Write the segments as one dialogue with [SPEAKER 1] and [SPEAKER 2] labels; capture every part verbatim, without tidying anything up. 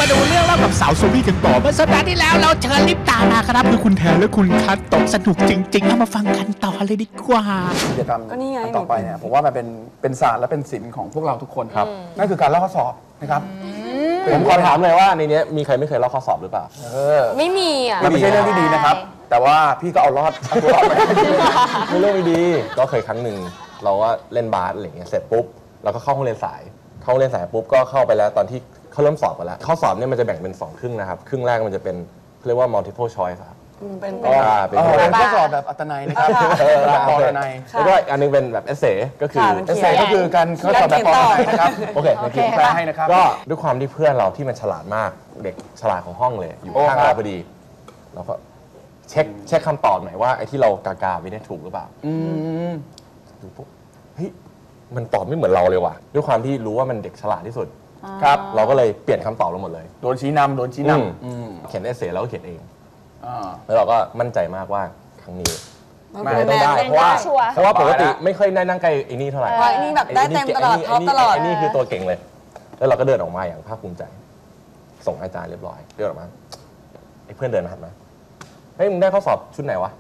[SPEAKER 1] มาดูเรื่องเล่ากับสาวโซบี้กันต่อเมื่อสัปดาห์ที่แล้วเราเชิญลิปตามาครับคือคุณแทนและคุณคัทตกสนุกจริงๆเอามาฟังกันต่อเลยดีกว่า
[SPEAKER 2] กิจกรรมต่อไปเนี่ยผมว่ามันเป็นเป็นศาสตร์และเป็นศิลป์ของพวกเราทุกคนครับนั่นคือการลอกข้อสอบนะครับ
[SPEAKER 3] ผมขอถามเลยว่าในนี้มีใครไม่เคยลอกข้อสอบหรือเปล่า
[SPEAKER 4] ไม่มีอ่ะ
[SPEAKER 2] มันไม่ใช่เรื่องที่ดีนะครับแต่ว่าพี่ก็เอารอดเอาตัวรอดไป
[SPEAKER 3] ไม่เรื่องไม่ดีก็เคยครั้งหนึ่งเราว่าเล่นบาสอะไรเงี้ยเสร็จปุ๊บเราก็เข้าห้องเรียนสายเข้าห้องเรียนสายปุ๊บก็เข้าไปแล้วตอนที่เขาเริ่มสอบกันแล้วข้อสอบเนี่ยมันจะแบ่งเป็นสองครึ่งนะครับครึ่งแรกมันจะเป็นเรียกว่า multiple choice ครับ
[SPEAKER 4] เป็น
[SPEAKER 2] เป็นข้อสอบแบบอัตนัยนะครับแบบปออัตนัย
[SPEAKER 3] แล้วก็อันนึงเป็นแบบเอเซ่ก็คือ
[SPEAKER 2] เอเซ่ก็คือการข้อสอบแบบปออัตนัยนะครับ
[SPEAKER 3] โอเคในคลิป
[SPEAKER 2] แปลให้นะครับ
[SPEAKER 3] ก็ด้วยความที่เพื่อนเราที่มันฉลาดมากเด็กฉลาดของห้องเลยอยู่ข้างเราพอดีเราก็เช็คเช็คคำตอบหน่อยว่าไอ้ที่เรากากาไว้ได้ถูกหรือเปล่าดูปุ๊บเฮ้ยมันตอบไม่เหมือนเราเลยว่ะด้วยความที่รู้ว่ามันเด็กฉลาดที่สุดครับเราก็เลยเปลี่ยนคำตอบเราหมดเลย
[SPEAKER 2] โดนชี้นำโดนชี้น
[SPEAKER 3] ำเขียนเอเซ่แล้วก็เขียนเองแล้วเราก็มั่นใจมากว่าครั้งนี้
[SPEAKER 4] ไม่
[SPEAKER 3] ต้องได้เพราะว่าเพราะว่าปกติไม่ค่อยได้นั่งใกล้ไอ้นี่เท่าไหร่
[SPEAKER 4] ไอ้นี่แบบได้เต็มตลอดท็อปตลอด
[SPEAKER 3] ไอ้นี่คือตัวเก่งเลยแล้วเราก็เดินออกมาอย่างภาคภูมิใจส่งอาจารย์เรียบร้อยเดินออกมาไอ้เพื่อนเดินมาหันมาเฮ้ยมึงได้ข้อสอบชุดไหนวะ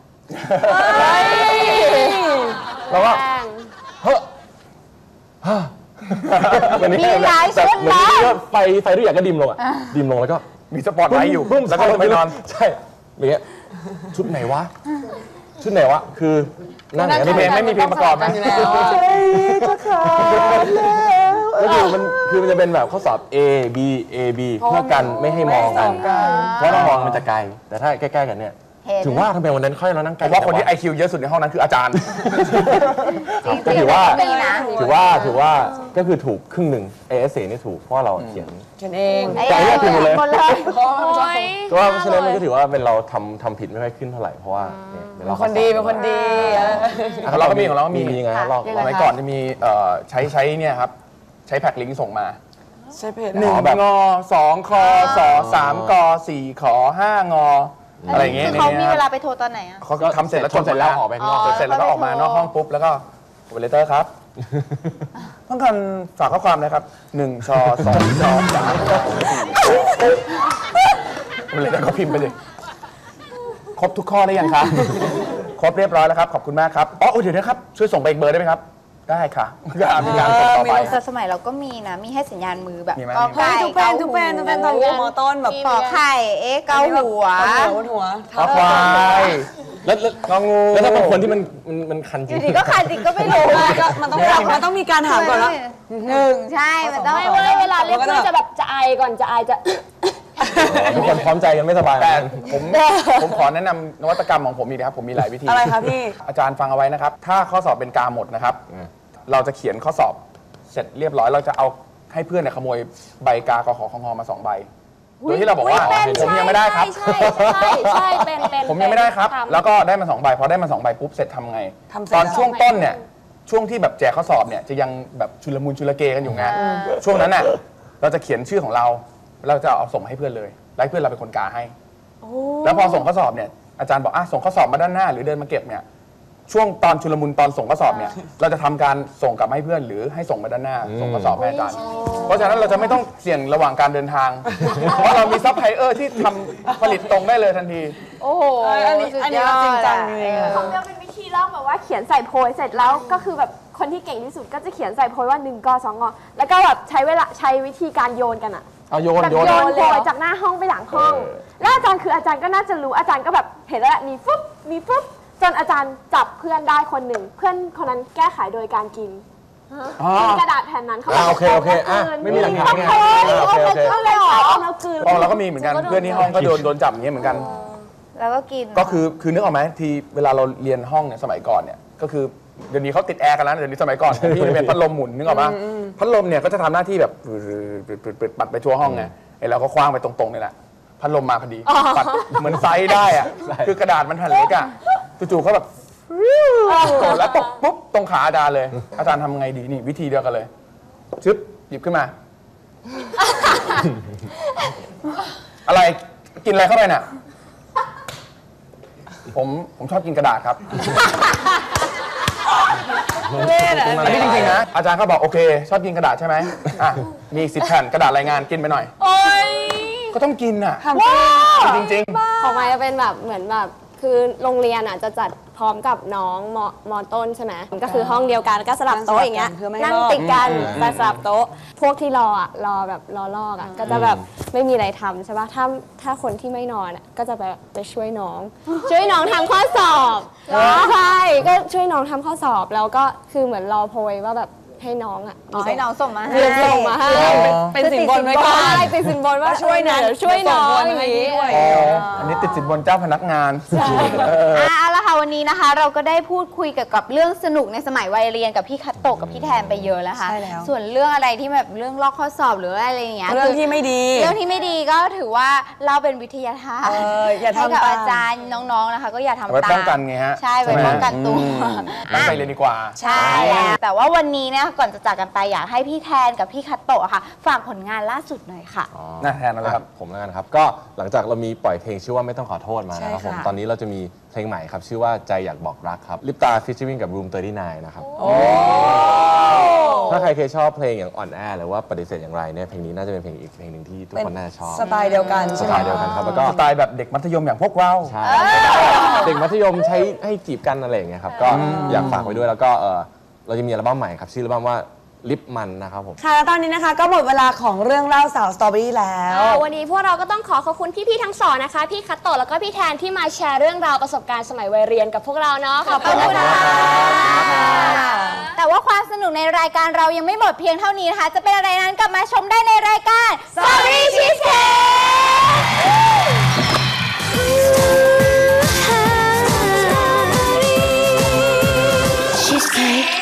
[SPEAKER 3] เราก็เฮ้อ
[SPEAKER 4] มีหลายชุดนะ
[SPEAKER 3] ไฟไฟทุกอย่างก็ดิมลงอ่ะดิมลงแล้วก็
[SPEAKER 2] มีสปอตไลท์อยู่
[SPEAKER 3] แล้วก็ไปนอนใช่อย่างเงี้ยชุดไหนวะชุดไหนวะคือนั่งอย่างนี้
[SPEAKER 2] ไม่มีเพลงประกอบนะ
[SPEAKER 3] ใช่ก็ขาดแล้วคือมันคือมันจะเป็นแบบข้อสอบ A B A B เพื่อกันไม่ให้มองกันเพราะถ้ามองมันจะไกลแต่ถ้าใกล้ๆกันเนี่ยถือว่าทำไมวันนั้นค่อยเรานั่งไกล
[SPEAKER 2] ว่าคนที่ ไอ คิว เยอะสุดในห้องนั้นคืออาจารย์
[SPEAKER 3] ก็ถือว่าถือว่าถือว่าก็คือถูกครึ่งหนึ่ง เอ เอส เอ นี่ถูกเพราะเราเขียน
[SPEAKER 4] เขียนเอง
[SPEAKER 3] ใจแรกผิดหมดเลย
[SPEAKER 4] ก็
[SPEAKER 3] ว่าเพราะฉะนั้นมันก็ถือว่าเป็นเราทำทำผิดไม่ค่อยขึ้นเท่าไหร่เพราะว่าเนี่ย
[SPEAKER 4] เป็นคนดีเป็นคนดี
[SPEAKER 2] ของเราก็มีของเราก็มี
[SPEAKER 3] ยังไงครับ
[SPEAKER 2] สมัยก่อนจะมีใช้ใช้เนี่ยครับใช้แพ็คลิงก์ส่งมา
[SPEAKER 4] ใช้เพจ
[SPEAKER 2] หนึ่งงอสองคอสอสามกอสี่ขอห้างออะไรอย่างเงี้ย
[SPEAKER 5] เขามีเวลาไปโทรตอนไหนอ่ะ
[SPEAKER 2] เขาทำเสร็จแล้วจนเสร็จแล้วออกไปนอกเสร็จแล้วก็ออกมานอกห้องปุ๊บแล้วก็โอเปอเรเตอร์ครับต้องการฝากข้อความนะครับหนึ่งชอสองชอสามชอสี่โอเปอเรเตอร์ก็พิมพ์ไปเลยครบทุกข้อได้ยังคะครบเรียบร้อยแล้วครับขอบคุณมากครับอ๋อเดี๋ยวนะครับช่วยส่งไปอีกเบอร์ได้ไหมครับได้ค่ะก็มีการส่งต่อไป
[SPEAKER 5] แต่สมัยเราก็มีนะมีให้สัญญาณมือแบบ
[SPEAKER 4] ก็ไก่เกาทุกเป็นทุกเป็นตอนเรียนม.ต้นแบบ
[SPEAKER 5] ขอไข่เอ๊ะเกาหัว
[SPEAKER 4] หัว
[SPEAKER 2] ขอควาย
[SPEAKER 3] แล้วงองูแล้วถ้าบางคนที่มันมันมันคันจริง
[SPEAKER 5] อยู่ดีก็คันจริงก็ไม่รู้
[SPEAKER 4] มันต้องมันต้องมีการถามก่อนแล้ว
[SPEAKER 5] หนึ่งใช่มันต้อง
[SPEAKER 4] ไม่เวลาเรียกเพื่อนจะแบบจะไอก่อนจะไอจะ
[SPEAKER 3] ทุกคนพร้อมใจกันไม่สบาย
[SPEAKER 2] แต่ผมผมขอแนะนำนวัตกรรมของผมอีกนะครับผมมีหลายวิธี
[SPEAKER 4] อะไรคะพี่
[SPEAKER 2] อาจารย์ฟังเอาไว้นะครับถ้าข้อสอบเป็นกาหมดนะครับเราจะเขียนข้อสอบเสร็จเรียบร้อยเราจะเอาให้เพื่อนเนี่ยขโมยใบกากขอของงอมาสองใบโดยที่เราบอกว่าผมยังไม่ได้ครับ
[SPEAKER 4] ใช่ใช่ใช่เป็นเป็น
[SPEAKER 2] ผมยังไม่ได้ครับแล้วก็ได้มาสองใบพอได้มาสองใบปุ๊บเสร็จทำไงตอนช่วงต้นเนี่ยช่วงที่แบบแจกข้อสอบเนี่ยจะยังแบบชุลมุนชุลเกกันอยู่ไงช่วงนั้นน่ะเราจะเขียนชื่อของเราเราจะเอาส่งให้เพื่อนเลยแล้วเพื่อนเราเป็นคนกาให้แล้วพอส่งข้อสอบเนี่ยอาจารย์บอกอ่ะส่งข้อสอบมาด้านหน้าหรือเดินมาเก็บเนี่ยช่วงตอนชุลมุนตอนส่งข้อสอบเนี่ยเราจะทำการส่งกลับให้เพื่อนหรือให้ส่งมาด้านหน้าส่งข้อสอบให้อาจารย์เพราะฉะนั้นเราจะไม่ต้องเสี่ยงระหว่างการเดินทางเพราะเรามีซัพพลายเออร์ที่ทำผลิตตรงได้เลยทันที
[SPEAKER 5] โอ้โห
[SPEAKER 4] อันนี้อันนี้จริงจังเลย
[SPEAKER 6] ของเดียวเป็นวิธีลอกแบบว่าเขียนใส่โพยเสร็จแล้วก็คือแบบคนที่เก่งที่สุดก็จะเขียนใส่โพยว่าหนึ่งกอสองงอแล้วก็แบบใช้เวลาใช้วิธีการโยนกันอะ
[SPEAKER 3] เอาโยน
[SPEAKER 6] โยนโยนจากหน้าห้องไปหลังห้องแล้วอาจารย์คืออาจารย์ก็น่าจะรู้อาจารย์ก็แบบเห็นแล้วมีฟุ๊บมีฟุ๊บจนอาจารย์จับเพื่อนได้คนหนึ่งเพื่อนคนนั้นแก้ไขโดยการกินกินกระดาษแผ่นนั้นเขา
[SPEAKER 3] โอเคโอเคไม่มีหลักฐานไงโอเคโอเค
[SPEAKER 6] เขาเลยขอเอาแล้วคืน
[SPEAKER 2] ห้องเราก็มีเหมือนกันเพื่อนที่ห้องก็โดนโดนจับอย่างเงี้ยเหมือนกัน
[SPEAKER 5] แล้วก็กิน
[SPEAKER 2] ก็คือคือนึกออกไหมทีเวลาเราเรียนห้องเนี่ยสมัยก่อนเนี่ยก็คือเดี๋ยวนี้เขาติดแอร์กันแล้วเดี๋ยวนี้สมัยก่อนพี่เป็นพัดลมหมุนนึกออกปะพัดลมเนี่ยก็จะทำหน้าที่แบบปิดปัดไปทั่วห้องไงไอเราก็คว้างไปตรงๆนี่แหละพัดลมมาพอดีปัดเหมือนไซส์ได้อะคือกระดาษมันแผ่นเล็กอะจู่ๆเขาแบบแล้วตกปุ๊บตรงขาอาจารย์เลยอาจารย์ทำไงดีนี่วิธีเดียวกันเลยชึบหยิบขึ้นมาอะไรกินอะไรเข้าไปน่ะผมผมชอบกินกระดาษครับอันนี้จริงๆนะอาจารย์เขาบอกโอเคชอบกินกระดาษใช่ไหมอ่ะมีสิบแผ่นกระดาษรายงานกินไปหน่อย
[SPEAKER 4] โอ้ย
[SPEAKER 2] ก็ต้องกินอ่ะจริง
[SPEAKER 4] ของมายจะเป็นแบบเหมือนแบบคือโรงเรียนอ่ะจะจัดพร้อมกับน้องมมต้นใช่ไหมก็คือห้องเดียวกันก็สลับโต๊ะอย่างเงี้ยนั่งติดกันแต่สลับโต๊ะพวกที่รออ่ะรอแบบรอลอกอ่ะก็จะแบบไม่มีอะไรทำใช่ป่ะถ้าถ้าคนที่ไม่นอนอ่ะก็จะแบบไปช่วยน้อง ช่วยน้องทำข้อสอบใช่ก็ช่วยน้องทำข้อสอบแล้วก็คือเหมือนรอโพยว่าแบบให้น้องอ่ะ
[SPEAKER 5] อ๋อให้น้องส่งมาให้
[SPEAKER 4] เรียนส่งมาให้
[SPEAKER 5] เป็นสินบนไว้ก่อน
[SPEAKER 4] ใช่เป็นสินบนว่าช่วยนะช่วยน้องอย่างนี้
[SPEAKER 2] ๆอ๋ออันนี้ติดสินบนเจ้าพนักงาน
[SPEAKER 5] อ่ะเอาละค่ะวันนี้นะคะ เราก็ได้พูดคุยเกี่ยวกับเรื่องสนุกในสมัยวัยเรียนกับพี่คัตโตะกับพี่แทนไปเยอะแล้วค่ะ
[SPEAKER 4] ใช่แล้ว
[SPEAKER 5] ส่วนเรื่องอะไรที่แบบเรื่องลอกข้อสอบหรืออะไรอย่างเงี้ย
[SPEAKER 4] เรื่องที่ไม่ดี
[SPEAKER 5] เรื่องที่ไม่ดีก็ถือว่าเราเป็นวิทยาทาน
[SPEAKER 4] เอออย่าทำ
[SPEAKER 5] ให้กับ
[SPEAKER 4] ตาม
[SPEAKER 5] อาจารย์น้องๆนะคะ ก็อย่าทำ
[SPEAKER 2] เอาไว้
[SPEAKER 5] ตาม
[SPEAKER 2] ป้องกันไงฮะ
[SPEAKER 5] ใช่ไว้
[SPEAKER 2] ใช่ไหม
[SPEAKER 5] ป้องกันตัว
[SPEAKER 2] อืมงั้นไปเลยดีกว่า
[SPEAKER 5] ใช่แล้วแต่ว่าวันนี้เนี่ยก่อนจะจากกันไปอยากให้พี่แทนกับพี่คัตโตะค่ะ ฝากผลงานล่าสุดหน่อยค่ะ
[SPEAKER 2] น่าแทนอะไรครับ
[SPEAKER 3] ผมแล้วกันครับก็หลังจากเรามีปล่อยเพลงชื่อว่าไม่ต้องขอโทษมานะครับ
[SPEAKER 4] ใช่
[SPEAKER 3] ผ
[SPEAKER 4] ค่ะ
[SPEAKER 3] มตอนนี้เราจะมีเพลงใหม่ครับชื่อว่าใจอยากบอกรักครับลิปตาฟิชชิ่งกับ Room สามสิบเก้านะครับถ้าใครเคยชอบเพลงอย่างอ่อนแอหรือว่าปฏิเสธอย่างไรเนี่ยเพลงนี้น่าจะเป็นเพลงอีกเพลงหนึ่งที่ทุกคนน่าจะชอบ
[SPEAKER 4] สไตล์เดียวกัน
[SPEAKER 3] ส
[SPEAKER 4] ใช่ไห
[SPEAKER 3] ไต
[SPEAKER 4] ม
[SPEAKER 3] ล์เดียวกันครับแล้วก็
[SPEAKER 2] สไตล์แบบเด็กมัธยมอย่างพวกเรา
[SPEAKER 3] ใช่เด็กมัธยมใช้ให้จีบกันอะไรอย่างเงี้ยครับก็อยากฝากไว้ด้วยแล้วก็เออเราจะมีอัลบั้มใหม่ครับชื่ออัลบั้มว่าลิปมันนะครับผม
[SPEAKER 4] ค่ะแล้วตอนนี้นะคะก็หมดเวลาของเรื่องเล่าสาวสตรอเบอรี่แล้ว
[SPEAKER 7] อ่าวันนี้พวกเราก็ต้องขอขอบคุณพี่ๆทั้งสองนะคะ พี่คัตโตะแล้วก็พี่แทนที่มาแชร์เรื่องราวประสบการณ์สมัยวัยเรียนกับพวกเราเนาะขอบคุณค่ะ
[SPEAKER 5] แต่ว่าความสนุกในรายการเรายังไม่หมดเพียงเท่านี้นะคะ จะเป็นอะไรนั้นกลับมาชมได้ในรายการ Sorry Cheesecake
[SPEAKER 7] Cheesecake